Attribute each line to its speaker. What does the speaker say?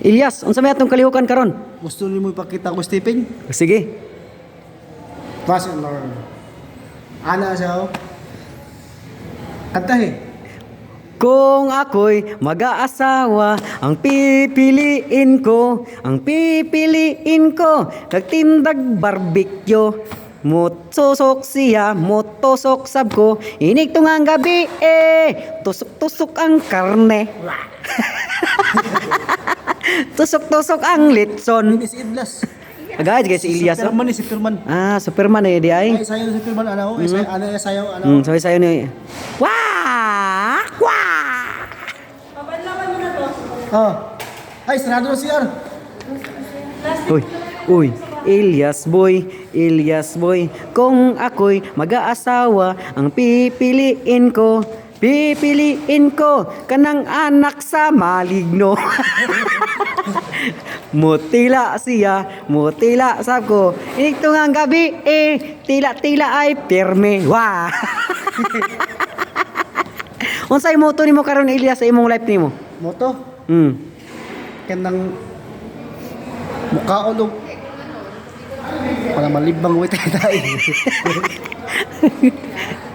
Speaker 1: Ilyas, unsa may atong kalihukan karon?
Speaker 2: Gusto niyo mo ipakita ko stepping?
Speaker 1: Sige.
Speaker 2: Fast and learn. Ana siya. Kanta eh.
Speaker 1: Kung ako'y mag-aasawa, ang pipiliin ko, nagtindag barbecue. Mutusok siya, mutusok sab ko, inigtong ang gabi tusok-tusok ang karne. Tusok-tusok ang litson.
Speaker 2: Ini si Idlas.
Speaker 1: Agad guys, si Ilyas.
Speaker 2: Superman ni si Superman.
Speaker 1: Ah, Superman di ay.
Speaker 2: Ay, sayo si Superman, ano? Ano yung sayo, ano?
Speaker 1: Sayo ni. Wah! Wah!
Speaker 2: Oh. Ay, sarado na CR.
Speaker 1: Uy, Ilyas boy, kung ako'y mag-aasawa, ang pipiliin ko, kanang anak sa maligno. Mutila siya, mutila sab ko, ito nga ang gabi, tila-tila ay pirme. Wah! Unsay moto nimo karon Ilyas sa imong life nimo?
Speaker 2: Moto. Kanang mukhaon og para malibang wait tayo.